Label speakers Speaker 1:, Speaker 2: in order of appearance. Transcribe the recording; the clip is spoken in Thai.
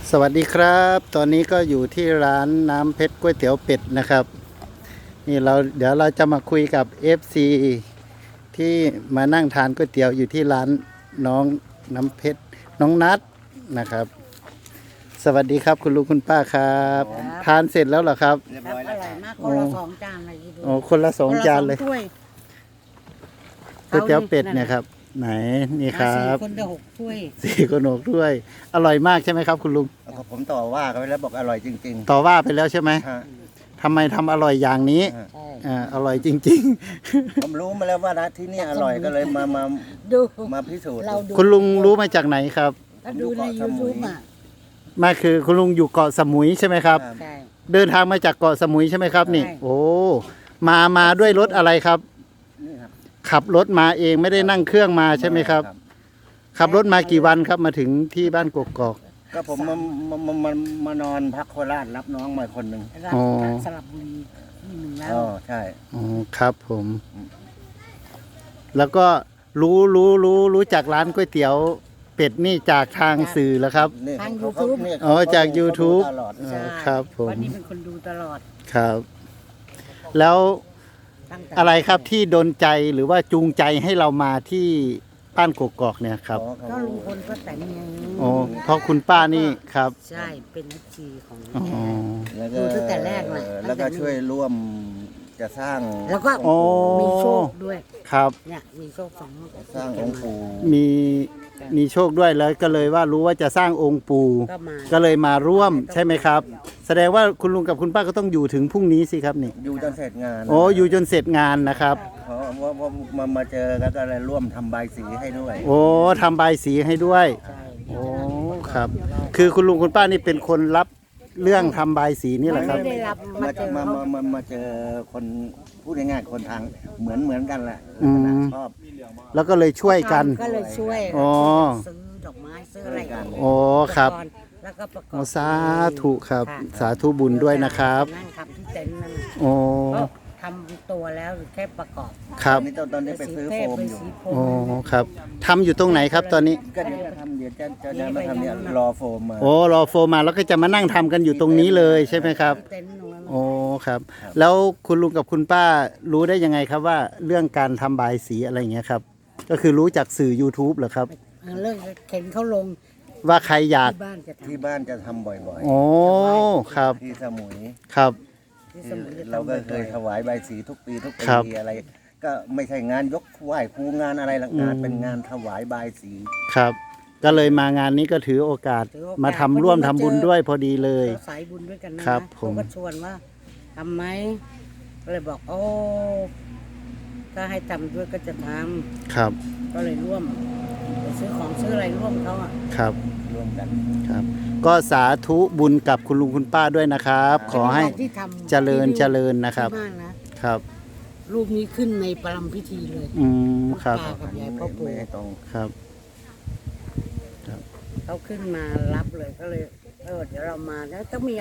Speaker 1: สวัสดีครับตอนนี้ก็อยู่ที่ร้านน้ำเพชรก๋วยเตี๋ยวเป็ดนะครับนี่เดี๋ยวเราจะมาคุยกับ FC ที่มานั่งทานก๋วยเตี๋ยวอยู่ที่ร้านน้องน้ำเพชรน้องนัทนะครับสวัสดีครับคุณลุงคุณป้าครับทานเสร็จแล้วเหรอครับ
Speaker 2: เรียบร้อย
Speaker 3: อ
Speaker 2: แล้ว
Speaker 3: ร่
Speaker 2: ค
Speaker 3: อย
Speaker 2: รับ
Speaker 3: มากคนละสองจานเลยทีเดียว
Speaker 1: โอ้คนละ2 จานเลย
Speaker 3: คละสองถ้วย
Speaker 1: ก๋วยเตี๋ยวเป็ดเนี่ยครับไหนนี่ครั
Speaker 3: สี่
Speaker 1: บ
Speaker 3: คนจะ6 ถ้วย
Speaker 1: 4 คน6 ถ้วยอร่อยมากใช่ไหมครับคุณลุง
Speaker 2: แล้วก็ผมต่อว่าเขาไปแล้วบอกอร่อยจริง
Speaker 1: ต่อว่าไปแล้วใช่ไหม
Speaker 2: ๆฮะ
Speaker 1: ทำไมทำอร่อยอย่างนี้
Speaker 3: ใช่
Speaker 1: อร่อยจริง
Speaker 2: ผมรู้มาแล้วว่าร้านที่นี่อร่อยก็เลยมา
Speaker 3: ดู
Speaker 2: มาพิสูจน์
Speaker 3: เราดู
Speaker 1: ๆ คุณลุงรู้มาจากไหนครับ
Speaker 3: ก็ดูใน YouTube อ่ะ
Speaker 1: มาคือคุณลุงอยู่เกาะสมุยใช่ไหมครับ
Speaker 3: ใช่
Speaker 1: เดินทางมาจากเกาะสมุยใช่ไหมครับนี่
Speaker 3: ใช่
Speaker 1: โอ้มาด้วยรถอะไรครับ
Speaker 2: นี่ครับ
Speaker 1: ขับรถมาเองไม่ได้นั่งเครื่องมาใช่ไหมครับ ขับรถมากี่วันครับมาถึงที่บ้านกกอก
Speaker 2: ก็ผมมานอนพักโคราชรับน้องมาคนหนึ่ง
Speaker 3: ร้าน
Speaker 1: อ๋อ
Speaker 3: สลับบุรีที่หนึ่งแล้ว
Speaker 2: อ๋อใช่
Speaker 1: อ๋อครับผม แล้วก็รู้จักร้านก๋วยเตี๋ยวเป็ดนี่จากทางสื่อแล้วครับ
Speaker 2: นี่
Speaker 3: ทาง
Speaker 2: เขา
Speaker 3: YouTube
Speaker 2: เนี่ย
Speaker 1: อ๋อจาก
Speaker 2: เขา
Speaker 1: YouTube
Speaker 2: ตลอด
Speaker 3: ใช่
Speaker 1: ครับผม
Speaker 3: วันนี้เป็นคนดูตลอด
Speaker 1: ครับ แล้ว
Speaker 3: ตั้งแต่
Speaker 1: อะไรครับที่ดนใจหรือว่าจูงใจให้เรามาที่บ้านกกอกเนี่ยครับ
Speaker 2: อ๋อ
Speaker 3: ก็ลุงพลก็แต่งไง
Speaker 1: โอ้เพราะคุณป้านี่ครับ
Speaker 3: ใช่เป็น FC ของ
Speaker 1: อ๋อ
Speaker 2: แล้ว
Speaker 3: ดูตั้งแต่แรกเลย
Speaker 2: แล้วก็ช่วยร่วมจะสร้าง
Speaker 3: แล้วก็
Speaker 1: โอ้
Speaker 3: มีโชคด้วย
Speaker 1: ครับ
Speaker 3: เนี่ยมีโชคสอง
Speaker 2: สร้างองค์ปู่
Speaker 1: มีโชคด้วยแล้วก็เลยว่ารู้ว่าจะสร้างองค์ปู่
Speaker 3: ก็มา
Speaker 1: ก็เลยมาร่วมใช่ไหมครับ แสดงว่าคุณลุงกับคุณป้าก็ต้องอยู่ถึงพรุ่งนี้สิครับนี่
Speaker 2: อยู่จนเสร็จงาน
Speaker 1: โอ้อยู่จนเสร็จงานนะครับ
Speaker 2: เพราะว่ามาเจอแล้วก็เลยร่วมทำใบายสีให้ด้วย
Speaker 1: โอ้ทำใบายสีให้ด้วย
Speaker 3: ใช่
Speaker 1: โอ้ครับ คือคุณลุงคุณป้านี่เป็นคนรับเรื่องทำใบายสีนี่แหละครับ
Speaker 3: ไม่ได้รับมา
Speaker 2: มา
Speaker 3: เจอ
Speaker 2: มา
Speaker 3: เขา
Speaker 2: มาเจอคนพูดง่ายๆคนทางเหมือนกันแหละ
Speaker 1: อืม
Speaker 2: ชอบ
Speaker 1: แล้วก็เลยช่วยกัน
Speaker 3: ก็เลยช่วย
Speaker 1: อ๋อ
Speaker 3: ซื้อดอกไม้ซื้ออะไรกัน
Speaker 1: โอ้ครับ
Speaker 3: แล้วก็ประกอ
Speaker 1: โอ้
Speaker 3: บ
Speaker 1: สาธุครับ
Speaker 3: ะ
Speaker 1: สาธุบุญด้วยนะครับ
Speaker 3: นั่งทำที่เต็นท์นั่นน่ะ
Speaker 1: โอ้
Speaker 3: ก็ทำตัวแล้วแค่ประกอบ
Speaker 1: ครับ
Speaker 2: ตอนนี้ไปซื้อโฟมอยู่
Speaker 3: สีโฟ
Speaker 1: โอ้
Speaker 3: ม
Speaker 1: ครับทำอยู่ตรงไหนครับตอนนี้
Speaker 2: ก็เดี๋ยวจะทำเดี๋ยวจะมาทำเนี่ยรอโฟมมา
Speaker 1: โอ้รอโฟมมาแล้วก็จะมานั่งทำกันอยู่ตรงนี้เลยใช่ไหมครับ
Speaker 3: เต็นท์ตรงนั้น
Speaker 1: โอ้ครับ แล้วคุณลุงกับคุณป้ารู้ได้ยังไงครับว่าเรื่องการทำบายสีอะไรอย่างเงี้ยครับ ก็คือรู้จากสื่อ YouTube เหรอครับ
Speaker 3: เรื่องเข็นเขาลง
Speaker 1: ว่าใครอยาก
Speaker 3: ที่บ้านจะท
Speaker 2: ที่บ้านจะทำบ่อย
Speaker 1: โอ้ครับ
Speaker 2: ๆที่สมุย
Speaker 1: ครับ
Speaker 3: ำที่สมุยจะ
Speaker 2: เรา
Speaker 3: ทำ
Speaker 2: ก็
Speaker 3: บ่
Speaker 2: เค
Speaker 3: อย
Speaker 2: ยถวายใบายสีทุกปีทุก
Speaker 1: ครับ
Speaker 2: ปีอะไร ก็ไม่ใช่งานยกไหว้ครูงานอะไรหลักงานเป็นงานถวายใบายสี
Speaker 1: ครับ ก็เลยมางานนี้ก็ถือโอกาสมาทำร่วมทำบุญด้วยพอดีเลย
Speaker 3: เราสายบุญด้วยกันนะครับ
Speaker 1: ผม
Speaker 3: เขาก็ชวนว่าทำไหมก็เลยบอกโอ้ถ้าให้ทำด้วยก็จะท
Speaker 1: ครับ
Speaker 3: ำก็เลยร่วมไปซื้อของซื้ออะไรร่วมเขาอ่ะ
Speaker 1: ครับ
Speaker 2: ร่วมกัน
Speaker 1: ครับ ก็สาธุบุญกับคุณลุงคุณป้าด้วยนะครับ ขอให้
Speaker 3: ที่ทำ
Speaker 1: เจริญเจริญนะครับ
Speaker 3: ที่บ้านนะครับ รูปนี้ขึ้นในปรำพิธีเลย
Speaker 1: อืมครับ
Speaker 3: ตากับยายพ่อปู่
Speaker 2: ไม่ให้ต้อง
Speaker 1: ครับ
Speaker 3: เขาขึ้นมารับเลยก็เลยเดี๋ยวเรามาแล้วต้องมี